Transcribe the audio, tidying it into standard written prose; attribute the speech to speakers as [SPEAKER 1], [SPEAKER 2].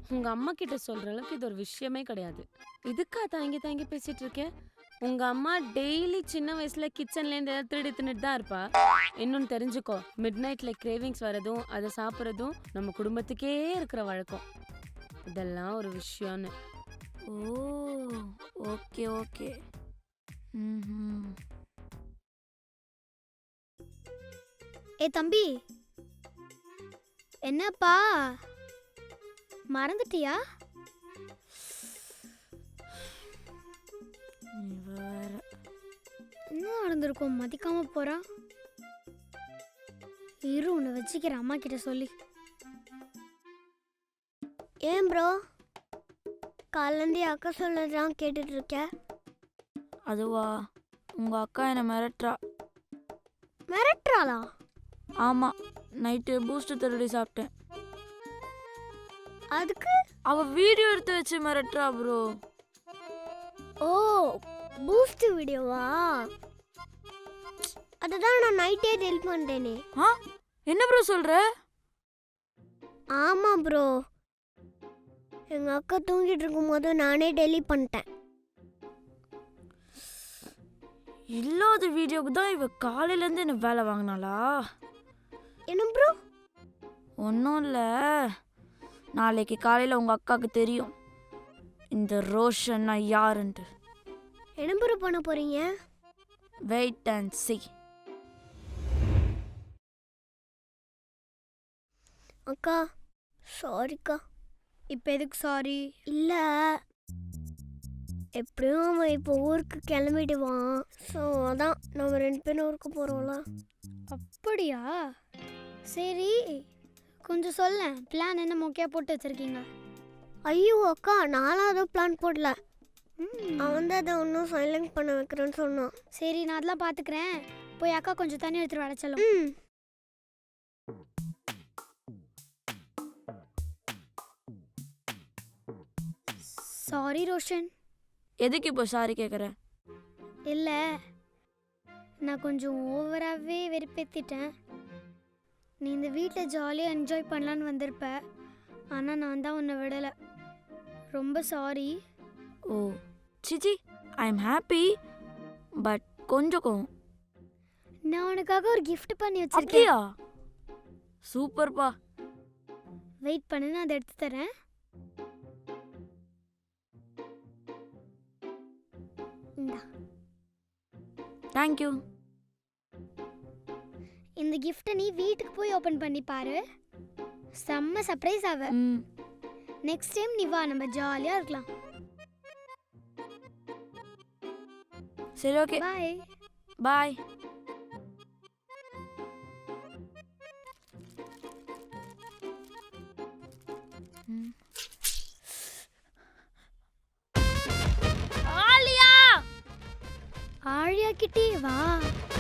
[SPEAKER 1] உங்க அம்மா கிட்ட சொல்ற அளவுக்கு இது ஒரு விஷயமே கிடையாது. இதுக்கா தயங்கி தயங்கி பேசிட்டு இருக்க? உங்க அம்மா டெய்லி சின்ன வயசுல கிச்சன்ல இருந்து ஏதாவது திருடி தின்னுட்டு தான் இருப்பா. இன்னொன்னு தெரிஞ்சுக்கோ, மிட் நைட்ல கிரேவிங்ஸ் வரதும் அதை சாப்பிட்றதும் நம்ம குடும்பத்துக்கே இருக்கிற வழக்கம். இதெல்லாம் ஒரு விஷயம்னு.
[SPEAKER 2] Oh, okay okay. ம்.
[SPEAKER 3] ஏ தம்பி, என்னப்பா மறந்துட்டியா?
[SPEAKER 2] வேற
[SPEAKER 3] என்ன நடந்திருக்கும் மதிக்காம போறான்? இரு உன்னை வச்சுக்கிறேன் அம்மா கிட்ட சொல்லி. ஏன் ப்ரோ காலேந்தி அக்கா சொல்லதான் கேட்டுட்டு இருக்க?
[SPEAKER 2] அதுவா, உங்க அக்கா என்னை மிரட்டுறா.
[SPEAKER 3] மிரட்டுறாளா?
[SPEAKER 2] ஆமா, நைட்டு பூஸ்ட் திருடி சாப்பிட்டேன்.
[SPEAKER 3] அதுக்கு
[SPEAKER 2] அவ வீடியோ எடுத்து வச்சு மிரட்டுறா ப்ரோ.
[SPEAKER 3] ஓ, பூஸ்ட் வீடியோவா? அதுதான் நான் நைட்டே டெலிட் பண்ணிட்டேனே.
[SPEAKER 2] ஆ, என்ன ப்ரோ சொல்ற?
[SPEAKER 3] ஆமா ப்ரோ, எங்க அக்கா தூங்கிட்டு இருக்கும்போது நானே டெலிட் பண்ணிட்டேன்.
[SPEAKER 2] இல்லாத வீடியோக்கு தான் இவ காலையில இருந்து என்ன வேலை வாங்கினாளா?
[SPEAKER 3] என்ன ப்ரோ?
[SPEAKER 2] ஒன்றும் இல்லை, நாளைக்கு காலையில் உங்கள் அக்காவுக்கு தெரியும் இந்த ரோஷன் நான் யாருன்ட்டு.
[SPEAKER 3] என்ன ப்ரோ பண்ண போறீங்க?
[SPEAKER 2] Wait and see.
[SPEAKER 3] அக்கா சாரிக்கா. இப்போ எதுக்கு சாரி? இல்லை, எப்படியும் அவன் இப்போ ஊருக்கு கிளம்பிடுவான். ஸோ அதான் நம்ம 2 பேரும் ஊருக்கு போகிறோம்ல. அப்படியா? சரி, கொஞ்சம் சொல்ல, பிளான் என்ன மொக்கையாக போட்டு வச்சுருக்கீங்க? ஐயோ அக்கா, நானும் அதுவும் பிளான் போடல. அவன் தான் அதை ஒன்றும் சைலண்ட் பண்ண வைக்கிறேன்னு சொன்னான். சரி, நான் அதெல்லாம் பார்த்துக்கிறேன். போய் அக்கா கொஞ்சம் தண்ணி எடுத்துட்டு வர சொல்லும். சாரி ரோஷன்.
[SPEAKER 2] எதுக்கு இப்போ சாரி கேட்குற?
[SPEAKER 3] இல்லை, நான் கொஞ்சம் ஓவராகவே வெறுப்பேற்றிட்டேன். நீ இந்த வீட்டில் ஜாலியாக என்ஜாய் பண்ணலான்னு வந்திருப்ப, ஆனால் நான் தான் உன்னை விடலை. ரொம்ப சாரி.
[SPEAKER 2] ஓ சிச்சி, ஐ எம் ஹாப்பி, பட் கொஞ்சம் கோவம்.
[SPEAKER 3] நான் உனக்காக ஒரு gift பண்ணி வச்சிருக்கேன்.
[SPEAKER 2] அப்படியா? சூப்பர்ப்பா.
[SPEAKER 3] வெயிட் பண்ணு, நான் அதை எடுத்து தரேன். இந்தா,
[SPEAKER 2] தேங்க்யூ.
[SPEAKER 3] இந்த கிஃப்ட்டை நீ வீட்டுக்கு போய் ஓப்பன் பண்ணி பாரு. செம்ம சர்ப்ரைஸ் ஆவ. நெக்ஸ்ட் டைம் நீ வா, நம்ம ஜாலியாக இருக்கலாம்.
[SPEAKER 2] சரி, ஓகே,
[SPEAKER 3] பாய்.
[SPEAKER 2] பாய்.
[SPEAKER 3] ஆழியா கிட்டே வா.